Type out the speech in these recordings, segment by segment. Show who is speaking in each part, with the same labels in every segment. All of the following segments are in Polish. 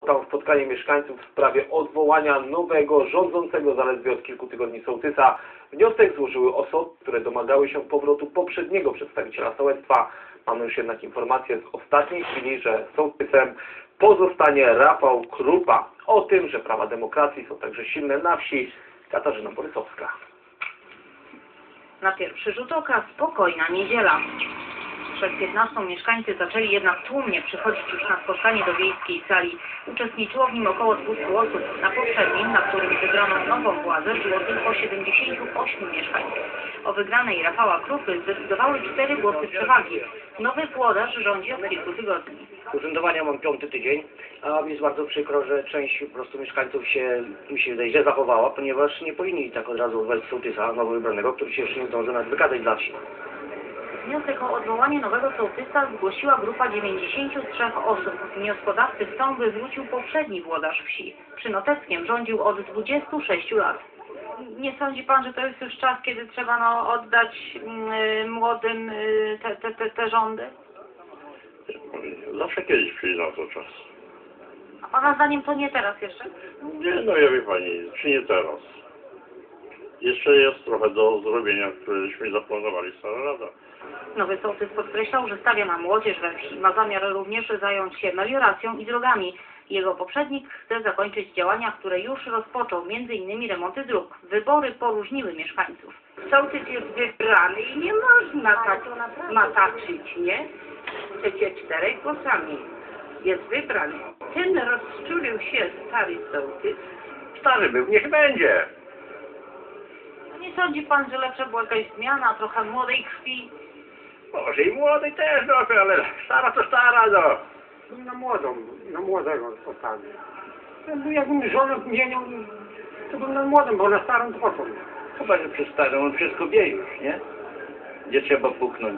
Speaker 1: Tam spotkanie mieszkańców w sprawie odwołania nowego, rządzącego zaledwie od kilku tygodni sołtysa. Wniosek złożyły osoby, które domagały się powrotu poprzedniego przedstawiciela sołectwa. Mamy już jednak informację z ostatniej chwili, że sołtysem pozostanie Rafał Krupa. O tym, że prawa demokracji są także silne na wsi, Katarzyna Borysowska.
Speaker 2: Na pierwszy rzut oka spokojna niedziela. Przed 15 mieszkańcy zaczęli jednak tłumnie przychodzić już na spotkanie do wiejskiej sali. Uczestniczyło w nim około 200 osób. Na poprzednim, na którym wybrano nową władzę, było tylko 78 mieszkańców. O wygranej Rafała Krupy zdecydowały 4 głosy przewagi. Nowy włodarz rządzi od kilku tygodni.
Speaker 3: Urzędowania mam 5. tydzień, a mi jest bardzo przykro, że część po prostu mieszkańców się, mi się wydaje, źle zachowała, ponieważ nie powinni tak od razu wejść sołtysa nowo wybranego, który się jeszcze nie zdąży nawet wykazać dla wsi.
Speaker 2: Wniosek o odwołanie nowego sołtysa zgłosiła grupa 93 osób. Wnioskodawcy chcą, by wrócił poprzedni włodarz wsi. Przy Noteckiem rządził od 26 lat. Nie sądzi pan, że to jest już czas, kiedy trzeba oddać młodym te rządy?
Speaker 4: Zawsze kiedyś przyjdzie na to czas.
Speaker 2: A pana zdaniem to nie teraz jeszcze?
Speaker 4: Nie, no ja wie pani, czy nie teraz. Jeszcze jest trochę do zrobienia, któreśmy zaplanowali stara rada.
Speaker 2: Nowy sołtys podkreślał, że stawia na młodzież we wsi. Ma zamiar również zająć się melioracją i drogami. Jego poprzednik chce zakończyć działania, które już rozpoczął, m.in. remonty dróg. Wybory poróżniły mieszkańców.
Speaker 5: Sołtys jest wybrany i nie można tak mataczyć, nie? Przecież 4 głosami jest wybrany. Ten rozczulił się stary sołtys.
Speaker 4: Stary był, niech będzie.
Speaker 2: Nie sądzi pan, że lepsza była jakaś zmiana, trochę młodej krwi?
Speaker 4: Może i młody też, no, ale stara to stara, no.
Speaker 6: Na młodego postawił. Jakbym żonę zmienił, to bym na młodym, bo na starym to po co?
Speaker 3: Chyba, że przy starym on wszystko wie już, nie? Gdzie trzeba puknąć.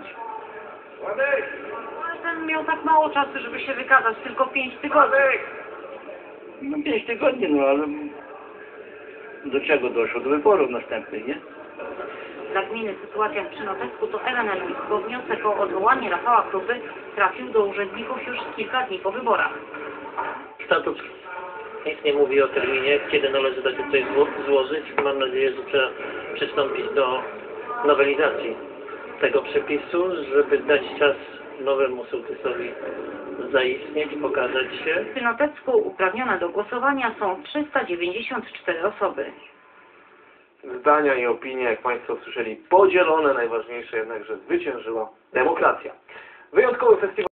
Speaker 2: Ale ten miał tak mało czasu, żeby się wykazać, tylko 5 tygodni.
Speaker 3: No 5 tygodni, no ale do czego doszło? Do wyborów następnych, nie?
Speaker 2: Dla gminy sytuacja przy Notecku to ewenement, bo wniosek o odwołanie Rafała Krupy trafił do urzędników już kilka dni po wyborach.
Speaker 7: Statut nic nie mówi o terminie, kiedy należy takie coś złożyć. Mam nadzieję, że trzeba przystąpić do nowelizacji tego przepisu, żeby dać czas nowemu sołtysowi zaistnieć, pokazać się.
Speaker 2: Przy Notecku uprawnione do głosowania są 394 osoby.
Speaker 1: Zdania i opinie, jak Państwo słyszeli, podzielone. Najważniejsze jednak, że zwyciężyła demokracja. Wyjątkowy festiwal